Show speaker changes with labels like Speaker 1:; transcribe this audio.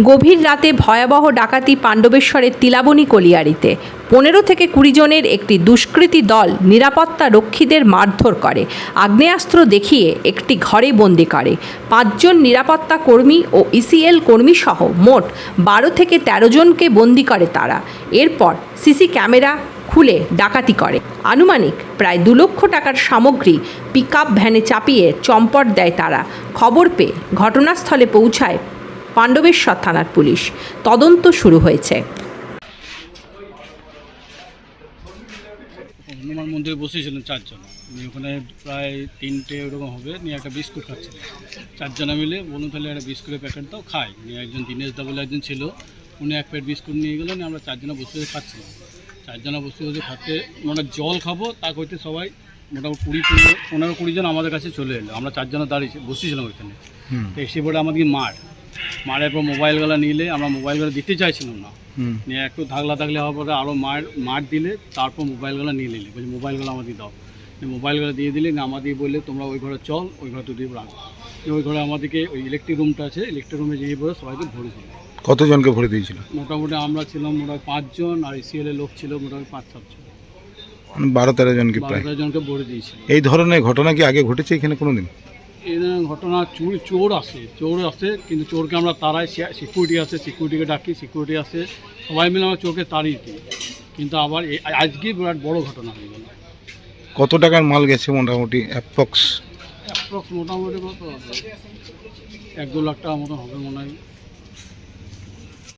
Speaker 1: গভীর রাতে ভয়াবহ ডাকাতি পাণ্ডবেশ্বরের তিলাবনী কলিয়ারিতে 15 থেকে 20 জনের একটি দুষ্কৃতী দল নিরাপত্তা রক্ষীদের মারধর করে, আগ্নেয়াস্ত্র দেখিয়ে একটি ঘরে বন্দি করে। 5 জন নিরাপত্তা কর্মী ও ইসিএল কর্মী সহ মোট 12 থেকে 13 জনকে বন্দি করে তারা। এরপর সিসি ক্যামেরা খুলে ডাকাতি করে। আনুমানিক প্রায় 2 লক্ষ টাকার সামগ্রী পিকআপ ভ্যানে চাপিয়ে চম্পট দেয় তারা। খবর পেয়ে ঘটনাস্থলে পৌঁছায় পাণ্ডবেশ্বর থানার পুলিশ। তদন্ত শুরু হয়েছে।
Speaker 2: হনুমান মন্দিরে বসেছিলেন 4 জন, ওখানে প্রায় 3টে ওরকম হবে, নিয়ে একটা বিস্কুট খাচ্ছিলেন 4 জনা মিলে। বলুন তাহলে একটা বিস্কুটের প্যাকেট দাও খাই। নিয়ে একজন দীনেশ দা বলে একজন ছিল, উনি 1 প্যাকেট বিস্কুট নিয়ে গেলেন। আমরা 4 জনা বসে বসে খাচ্ছিলাম। 4 জনা বসে বসে খাতে আমরা জল খাবো তা করতে সবাই মোটামুটি 15-20 জন আমাদের কাছে চলে এলো। আমরা 4 জনা দাঁড়িয়ে বসেছিলাম ওইখানে। তো এসে পরে আমাদেরকে মারের পর মোবাইলগুলো নিলে আমরা মোবাইলগুলো দিতে চাইছিলাম না। নিয়ে একটু থাকলে হওয়ার পরে আরও মার দিলে, তারপর মোবাইলগুলো নিয়ে নিলে, বলছি মোবাইলগুলো আমাদের দাও। মোবাইলগুলো দিয়ে দিলে না, আমাদের বললে তোমরা ওই ঘরে চল, ওই ঘরে তো দিয়ে রাখো। ওই ঘরে আমাদেরকে ওই ইলেকট্রিক রুমটা আছে, ইলেকট্রিক রুমে যেয়ে পরে সবাইকে ভরে দিল।
Speaker 3: কতজনকে ভরে দিয়েছিল?
Speaker 2: মোটামুটি আমরা ছিলাম মোটামুটি 5 জন, আর ইসিএলের লোক ছিল মোটামুটি 5-7 জন।
Speaker 3: 12-13 জনকে প্রায়
Speaker 2: 12 জনকে ভরে দিয়েছিল।
Speaker 3: এই ধরনের ঘটনা কি আগে ঘটেছে এখানে কোনোদিন?
Speaker 2: এই ঘটনা চোর আসে, কিন্তু চোরকে আমরা তারাই, সিকিউরিটি আছে, সিকিউরিটিকে ডাকি, সিকিউরিটি আসে, সবাই মিলে আমরা চোরকে তাড়িয়ে দিই। কিন্তু আবার আজকে বিরাট বড় ঘটনা হয়ে গেল।
Speaker 3: কত টাকার মাল গেছে মোটামুটি অ্যাপ্রক্স?
Speaker 2: মোটামুটি কত 1-2 লাখ টাকার মতন হবে মনে হয়।